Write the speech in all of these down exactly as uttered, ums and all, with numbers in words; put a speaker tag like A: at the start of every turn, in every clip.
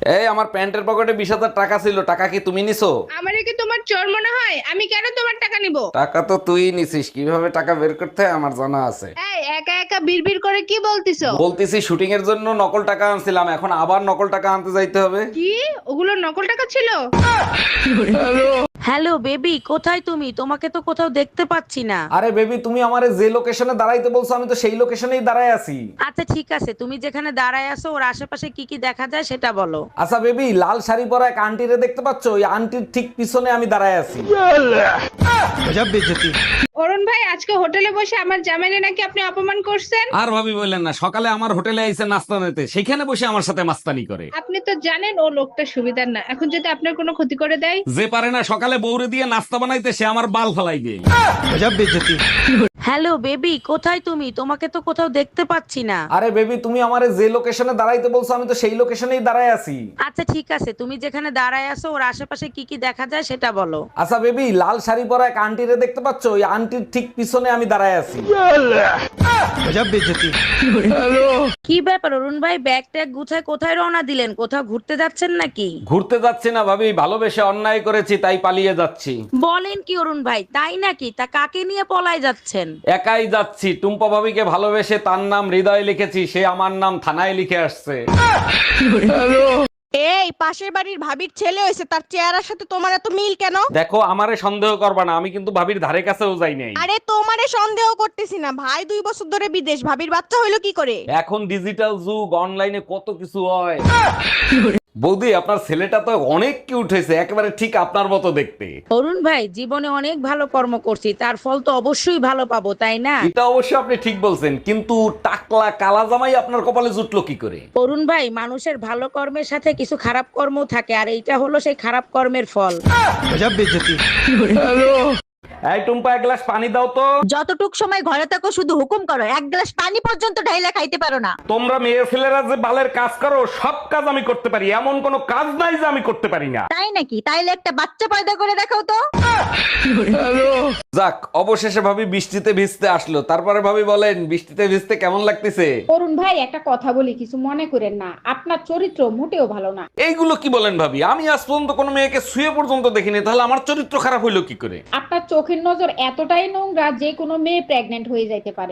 A: এই আমার প্যান্টের পকেটে বিশ হাজার টাকা ছিল, টাকা কি তুমি নিছো?
B: আমারে কি তোমার চোর মনে হয়? আমি কেন তোমার টাকা নিব?
A: টাকা তো তুই নিছিস, কিভাবে টাকা বের করতে হয় আমার জানা আছে।
B: এই একা একা বিড়বিড় করে কি বলতিছো?
A: বলতেছি শুটিং এর জন্য নকল টাকা আনছিলাম, এখন আবার নকল টাকা আনতে যাইতে হবে।
B: কি ওগুলো নকল টাকা ছিল?
C: হ্যালো বেবি, কোথায় তুমি? তোমাকে তো কোথাও দেখতে পাচ্ছি না।
A: আরে বেবি, তুমি আমারে যে লোকেশনে দাঁড়াইতে বলছো আমি তো সেই লোকেশনেই দাঁড়ায় আছি।
C: আচ্ছা ঠিক আছে, তুমি যেখানে দাঁড়ায় আছো ওর আশেপাশে কি কি দেখা যায় সেটা বলো।
A: আচ্ছা বেবি, লাল শাড়ি পরা এক আন্টিরে দেখতে পাচ্ছ? ওই আন্টির ঠিক পিছনে আমি দাঁড়ায় আছি।
B: অরুণ ভাই, আজকে হোটেলে বসে আমার জামাইনে নাকি আপনি অপমান করছেন।
A: আর ভাবি বললেন না, সকালে আমার হোটেলে আইসে নাস্তা নিতে, সেখানে বসে আমার সাথে মাস্তানি করে।
B: আপনি তো জানেন ও লোকটা সুবিধার না, এখন যদি আপনার কোনো ক্ষতি করে দেয়।
A: যে পারে না সকালে বউরে দিয়ে নাস্তা বানাইতে, সে আমার বাল ফালাইবে।
C: হ্যালো বেবি, কোথায় তুমি? তোমাকে তো কোথাও দেখতে পাচ্ছি না।
A: আরে বেবি, তুমি আমারে যে লোকেশনে দাঁড়াইতে বলছো আমি তো সেই লোকেশনেই দাঁড়ায় আছি।
C: আচ্ছা ঠিক আছে, তুমি যেখানে দাঁড়ায় আছো ওর আশেপাশে কি কি দেখা যায় সেটা বলো।
A: আচ্ছা বেবি, লাল শাড়ি পরা এক আন্টিরে দেখতে পাচ্ছ? ওই আন্টির ঠিক পিছনে আমি দাঁড়ায় আছি।
C: কি ব্যাপার অরুণ ভাই, ব্যাগ ট্যাগ গুছায় কোথায় রওনা দিলেন? কোথাও ঘুরতে যাচ্ছেন নাকি?
A: ঘুরতে যাচ্ছি না ভাবি, ভালোবেসে অন্যায় করেছি তাই পালিয়ে যাচ্ছি।
C: বলেন কি অরুণ ভাই, তাই নাকি? তা কাকে নিয়ে পলায় যাচ্ছেন?
A: একাই যাচ্ছি। টুম্পা ভাবিকে ভালোবেসে তার নাম হৃদয় লিখেছি, সে আমার নাম থানায় লিখে আসছে।
D: এই পাশের বাড়ির ভাবির ছেলে হয়েছে, তার চেহারার সাথে তোমার এত মিল কেন?
A: দেখো, আমারে সন্দেহ করবা না, আমি কিন্তু ভাবির ধারে কাছেও যাই নাই।
D: আরে তোমারে সন্দেহ করতেছি না, ভাই দুই বছর ধরে বিদেশ, ভাবির বাচ্চা হইলো কি করে?
A: এখন ডিজিটাল যুগ, অনলাইনে কত কিছু হয়। বৌদি, আপনার ছেলেটা তো অনেক কিউট হয়েছে, একেবারে ঠিক আপনার মতো দেখতে।
C: অরুণ ভাই, জীবনে অনেক ভালো কর্ম করছি, তার ফল তো অবশ্যই ভালো পাবো, তাই না?
A: এটা অবশ্য আপনি ঠিক বলছেন, কিন্তু টাকলা কালা জামাই আপনার কপালে জুটলো কি করে?
C: অরুণ ভাই, মানুষের ভালো কর্মের সাথে কিছু খারাপ কর্মও থাকে, আর এইটা হলো সেই খারাপ কর্মের ফল।
A: এই টুম্পা, এক গ্লাস পানি দাও তো।
E: যতটুক সময় ঘরে থাকো শুধু হুকুম করো, এক গ্লাস পানি পর্যন্ত ঢাইলা খাইতে পারো না।
A: তোমরা মেয়ে ছেলেরা যে বালের কাজ করো, সব কাজ আমি করতে পারি, এমন কোনো কাজ নাই যে আমি করতে পারি না।
E: তাই নাকি? তাইলে একটা বাচ্চা পয়দা করে দেখাও তো।
A: যাক, অবশেষে ভাবি বৃষ্টিতে ভিজতে আসলো। তারপরে ভাবি বলেন, বৃষ্টিতে ভিজতে কেমন লাগতেছে?
F: অরুণ ভাই, একটা কথা বলি, কিছু মনে করেন না, আপনার চরিত্র মোটেও ভালো না।
A: এইগুলো কি বলেন ভাবি? আমি আজ পর্যন্ত কোনো মেয়েকে শুয়ে পর্যন্ত দেখিনি, তাহলে আমার চরিত্র খারাপ হইলো কি করে?
F: আপনার চোখের নজর এতটাই নোংরা যে কোনো মেয়ে প্রেগনেন্ট হয়ে যাইতে পারে।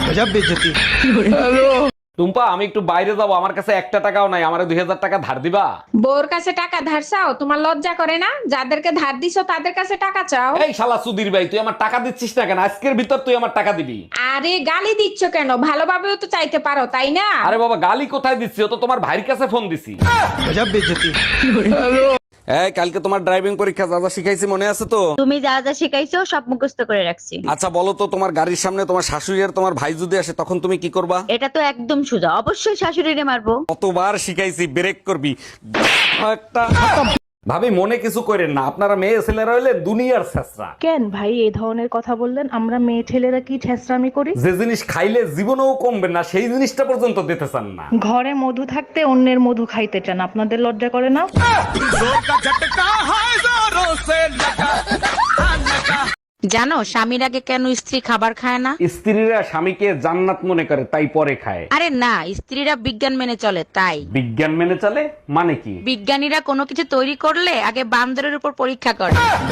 A: টুম্পা, আমি একটু বাইরে যাবো, আমার কাছে একটা টাকাও নাই, আমারে দুই হাজার টাকা ধার দিবা?
F: বউর কাছে টাকা ধার চাও? তোমার লজ্জা করে না? যাদেরকে ধার দিছো তাদের কাছে টাকা চাও।
A: এই শালা সুধীর ভাই, তুই আমার টাকা দিচ্ছিস না কেন? আজকের ভিতর তুই আমার টাকা দিবি।
F: আরে গালি দিচ্ছ কেন? ভালোভাবেও তো চাইতে পারো, তাই না?
A: আরে বাবা, গালি কোথায় দিচ্ছি? ও তো তোমার ভাইয়ের কাছে ফোন দিছি। এই, কালকে তোমার ড্রাইভিং পরীক্ষা, যা যা শিখাইছি মনে আছে তো?
E: তুমি যা যা শিখাইছো সব মুখস্থ করে রাখছি।
A: আচ্ছা বলো তো, তোমার গাড়ির সামনে তোমার শাশুড়ি আর তোমার ভাই যদি আসে, তখন তুমি কি করবা?
E: এটা তো একদম সোজা, অবশ্যই শাশুড়িরে মারবো।
A: কতবার শিখাইছি, ব্রেক করবি একটা। ভাবি, মনে কিছু করেন না, আপনারা মেয়ে ছেলেরা হইলে দুনিয়ার ছেঁচড়া।
G: কেন ভাই এই ধরনের কথা বললেন? আমরা মেয়ে ছেলেরা কি ছেঁচড়ামি করি?
A: যে জিনিস খাইলে জীবনেও কমবে না, সেই জিনিসটা পর্যন্ত দিতে চান না।
G: ঘরে মধু থাকতে অন্যের মধু খাইতে চান, আপনাদের লজ্জা করে না?
C: জানো স্বামীর আগে কেন স্ত্রী খাবার খায় না?
A: স্ত্রীরা স্বামীকে জান্নাত মনে করে তাই পরে খায়।
C: আরে না, স্ত্রীরা বিজ্ঞান মেনে চলে তাই।
A: বিজ্ঞান মেনে চলে মানে কি?
C: বিজ্ঞানীরা কোনো কিছু তৈরি করলে আগে বান্দরের উপর পরীক্ষা করে।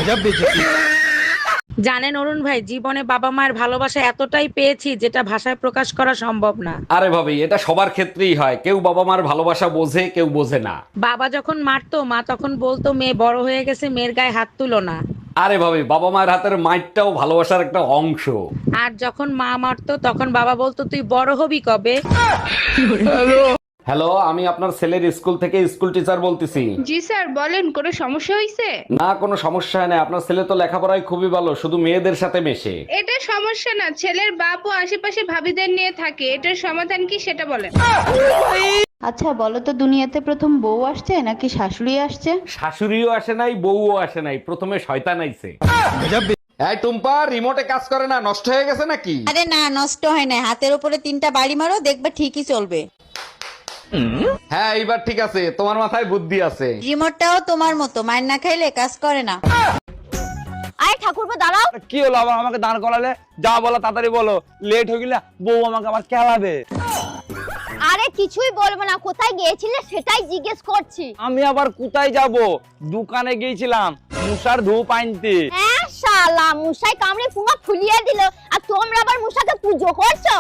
C: জানেন অরুণ ভাই, জীবনে বাবা মায়ের ভালোবাসা এতটাই পেয়েছি যেটা ভাষায় প্রকাশ করা সম্ভব না।
A: আরে ভাবি, এটা সবার ক্ষেত্রেই হয়, কেউ বাবা মার ভালোবাসা বোঝে, কেউ বোঝে না।
C: বাবা যখন মারতো মা তখন বলতো মেয়ে বড় হয়ে গেছে, মেয়ের গায়ে হাত তুলো না।
A: আরে ভাবি, বাবা মায়ের হাতের মাইরটাও ভালোবাসার একটা অংশ।
C: আর যখন মা মারতো তখন বাবা বলতো তুই বড় হবি কবে।
A: হ্যালো, আমি আপনার ছেলের স্কুল থেকে স্কুল টিচার বলতেছি।
B: জি স্যার, বলেন, কোনো সমস্যা হয়েছে?
A: না, কোনো সমস্যা হয় না, আপনার ছেলে তো লেখাপড়ায় খুবই ভালো, শুধু মেয়েদের সাথে মেশে।
B: এটা সমস্যা না, ছেলের বাপ ও আশেপাশে ভাবিদের নিয়ে থাকে, এটার সমাধান কি সেটা বলেন।
H: আচ্ছা বলো তো, দুনিয়াতে প্রথম বউ আসছে নাকি শাশুড়ি আসছে?
A: শাশুড়িও আসে নাই, বউও আসে নাই, প্রথমে শয়তান আইছে। এই টুম্পা, রিমোটে কাজ করে না, নষ্ট হয়ে গেছে নাকি?
E: আরে না, নষ্ট হয় না, হাতের উপরে তিনটা বাড়ি মারো, দেখবে ঠিকই চলবে।
A: হ্যাঁ, এইবার ঠিক আছে, তোমার মাথায় বুদ্ধি আছে।
E: রিমোটটাও তোমার মতো, মার না খাইলে কাজ করে না। আয় ঠাকুরপো দাঁড়াও।
I: কি হলো আবার আমাকে দাঁড় করালে? যা বলো তাড়াতাড়ি বলো, লেট হয়ে গেলে বউ আমাকে আবার খেলাবে।
E: আরে কিছুই বলবো না, কোথায় গিয়েছিলে সেটাই জিজ্ঞেস করছি।
I: আমি আবার কোথায় যাব? দোকানে গিয়েছিলাম মুসার ধূপ আনতে।
E: হ্যাঁ শালা, মুসাই কামড়ে পুঙ্গা ফুলিয়ে দিল, আর তোমরা আবার মুসাকে পুজো করছো।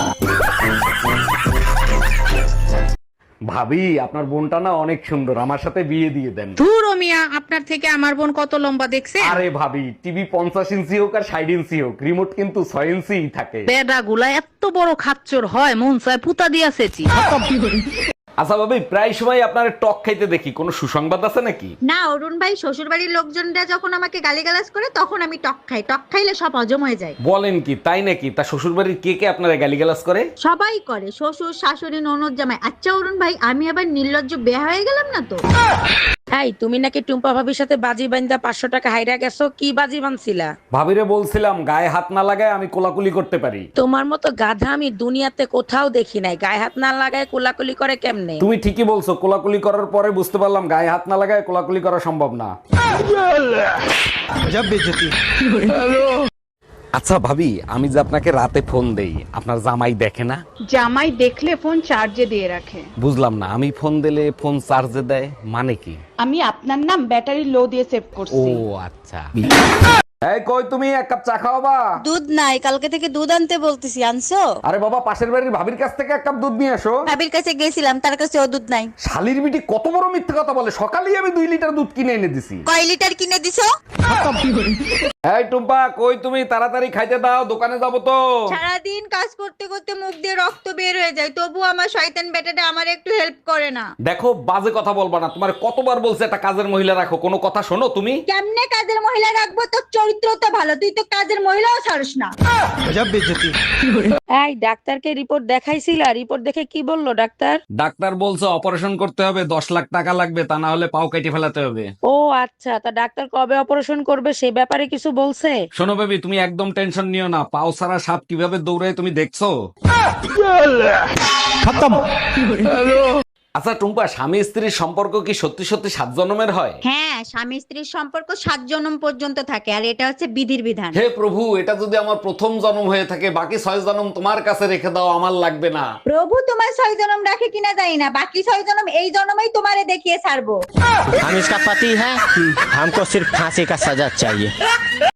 A: ভাবি আপনার বোনটা না অনেক সুন্দর, আমার সাথে বিয়ে দিয়ে দেন।
C: ধুর ও মিয়া, আপনার থেকে আমার বোন কত লম্বা দেখছে?
A: আরে ভাবি, টিভি পঞ্চাশ ইঞ্চি হোক আর ষাট ইঞ্চি হোক, রিমোট কিন্তু ছয় ইঞ্চি থাকে।
C: বেডা গুলা এত বড় খাচ্চর হয়, মন চায় পুতা দিয়াছেছি।
A: আচ্ছা ভাবি, প্রায় সময় আপনার টক খাইতে দেখি, কোনো সুসংবাদ আছে নাকি?
D: না অরুণ ভাই, শ্বশুর বাড়ির লোকজনরা যখন আমাকে গালিগালাজ করে তখন আমি টক খাই। টক খাইলে সব হজম হয়ে যায়।
A: বলেন কি, তাই নাকি? তা শ্বশুর বাড়ির কে কে আপনারা গালিগালাজ করে?
D: সবাই করে, শ্বশুর শাশুড়ি ননদ জামাই। আচ্ছা অরুণ ভাই, আমি আবার নির্লজ্জ বেয়া হয়ে গেলাম না তো?
C: এই তুমি নাকি টুম্পা ভাবির সাথে বাজি বান্ধা পাঁচশো টাকা হাইরা গেছো, কি বাজি বানছিলা?
A: ভাবিরে বলছিলাম গায়ে হাত না লাগায় আমি কোলাকুলি করতে পারি।
C: তোমার মতো গাধা আমি দুনিয়াতে কোথাও দেখি নাই। গায়ে হাত না লাগায় কোলাকুলি করে কেমনে?
A: তুমি ঠিকই বলছো, কোলাকুলি করার পরে বুঝতে পারলাম গায়ে হাত না লাগায় কোলাকুলি করা সম্ভব না। আচ্ছা ভাবি, আমি যে আপনাকে রাতে ফোন দেই, আপনার জামাই দেখে না?
F: জামাই দেখলে ফোন চার্জে দিয়ে রাখে।
A: বুঝলাম না, আমি ফোন দিলে ফোন চার্জে দেয় মানে কি?
H: আমি আপনার নাম ব্যাটারি লো দিয়ে সেভ
A: ও
H: করছি।
A: আচ্ছা। এই কই তুমি, এক কাপ চা খাওয়াবা?
E: দুধ নাই, কালকে থেকে দুধ আনতে বলতেছি, আনছো?
A: আরে বাবা, পাশের বাড়ির ভাবির কাছ থেকে এক কাপ দুধ নিয়ে আসো।
E: ভাবির কাছে গেছিলাম, তার কাছে ও দুধ নাই।
A: শালির বিটি কত বড় মিথ্যে কথা বলে, সকালেই আমি দুই লিটার দুধ কিনে এনে দিছি।
E: কয় লিটার কিনে দিছো?
A: এই টুম্পা, কই তুমি? তাড়াতাড়ি খাইতে দাও, দোকানে যাবো তো।
D: সারাদিন কাজ করতে করতে মুখ দিয়ে রক্ত বের হয়ে যায়, তবু আমার শয়তান বেটাটা আমার একটু হেল্প করে না।
A: দেখো, বাজে কথা বলবা না, তোমার কতবার বলছে একটা কাজের মহিলা রাখো, কোনো কথা শোনো তুমি?
D: কেমনে কাজের মহিলা রাখবো? তোর চরিত্র তো ভালো, তুই তো কাজের মহিলাও ছাড়স না।
C: এই ডাক্তারকে রিপোর্ট দেখাইছিলা? রিপোর্ট দেখে কি বললো ডাক্তার?
A: ডাক্তার বলছে অপারেশন করতে হবে, দশ লাখ টাকা লাগবে, তা না হলে পাও কেটে ফেলাতে হবে।
C: ও আচ্ছা, তা ডাক্তার কবে অপারেশন করবে সে ব্যাপারে কিছু বলছে?
A: শোনো বেবি, তুমি একদম টেনশন নিও না, পাও ছাড়া সাপ কিভাবে দৌড়ায় তুমি দেখছো? আচ্ছা টুম্পা, স্বামী স্ত্রীর সম্পর্ক কি সত্যি সত্যি সাত জন্মের হয়?
D: হ্যাঁ, স্বামী স্ত্রীর সম্পর্ক সাত জন্ম পর্যন্ত থাকে, আর এটা হচ্ছে বিধির বিধান।
A: হে প্রভু, এটা যদি আমার প্রথম জন্ম হয়ে থাকে, বাকি ছয় জন্ম তোমার কাছে রেখে দাও, আমার লাগবে না।
D: প্রভু তোমার ছয় জন্ম রাখে কিনা জানি না, বাকি ছয় জন্ম এই জন্মই তোমারে দেখিয়ে ছাড়বো।
J: हम इसका पति है, हमको सिर्फ फांसी का सजा चाहिए।